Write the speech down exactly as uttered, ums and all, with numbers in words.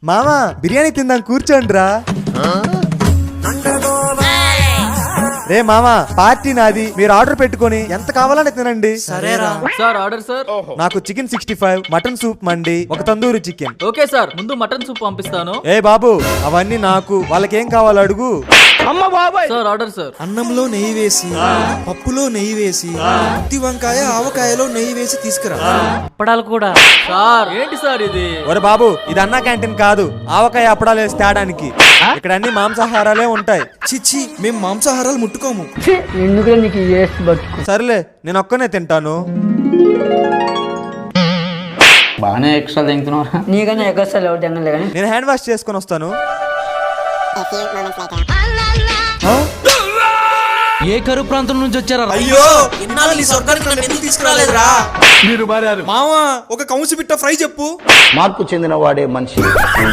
మామా బిర్యానీ తిందాం కూర్చోండి రా. రే మామా పార్టీ నాది, మీరు ఆర్డర్ పెట్టుకొని ఎంత కావాలని తినండి. సరేరా సార్ ఆర్డర్ సార్. నాకు chicken sixty five, mutton soup mandi, ఒక తందూరి చికెన్. ఓకే సార్, ముందు మటన్ సూప్ పంపిస్తాను. ఏ బాబు అవన్నీ నాకు, వాళ్ళకేం కావాలో అడుగు. Sir order sir. అన్నంలో నెయ్యి వేసి, పప్పులో నెయ్యి వేసి, ఉత్తి వంకాయ ఆవకాయలో నెయ్యి వేసి తీసుకురా. అప్పడాలు కూడా. సార్ ఏంటి సార్ ఇది? ఒరే బాబు ఇది అన్నా క్యాంటీన్ కాదు, ఆవకాయ అప్పడాలు వేసి తేడానికి. ఇక్కడ అన్ని మాంసాహారాలే ఉంటాయి. చిచ్చి మేము మాంసాహారాలు ముట్టుకోము. ఎందుకు నీకు వేస్ట్ బతుకు. సర్లే నేను ఒక్కనే తింటాను. బాగానే ఎక్స్ట్రా తింటున్నారా? నీకన్నా ఎగస్టాలు ఎవరు తినలే కానీ నేను హ్యాండ్ వాష్ చేసుకొని వస్తాను. ఏ కరువు ప్రాంతం నుంచి వచ్చారా? అయ్యో ఇన్నాళ్ళు నీ స్వర్గానికి నన్ను ఎందుకు తీసుకురాలేదురా? మావా ఒక కౌసు బిట్ట ఫ్రై చెప్పు. మార్పు చెందిన వాడే మనిషి.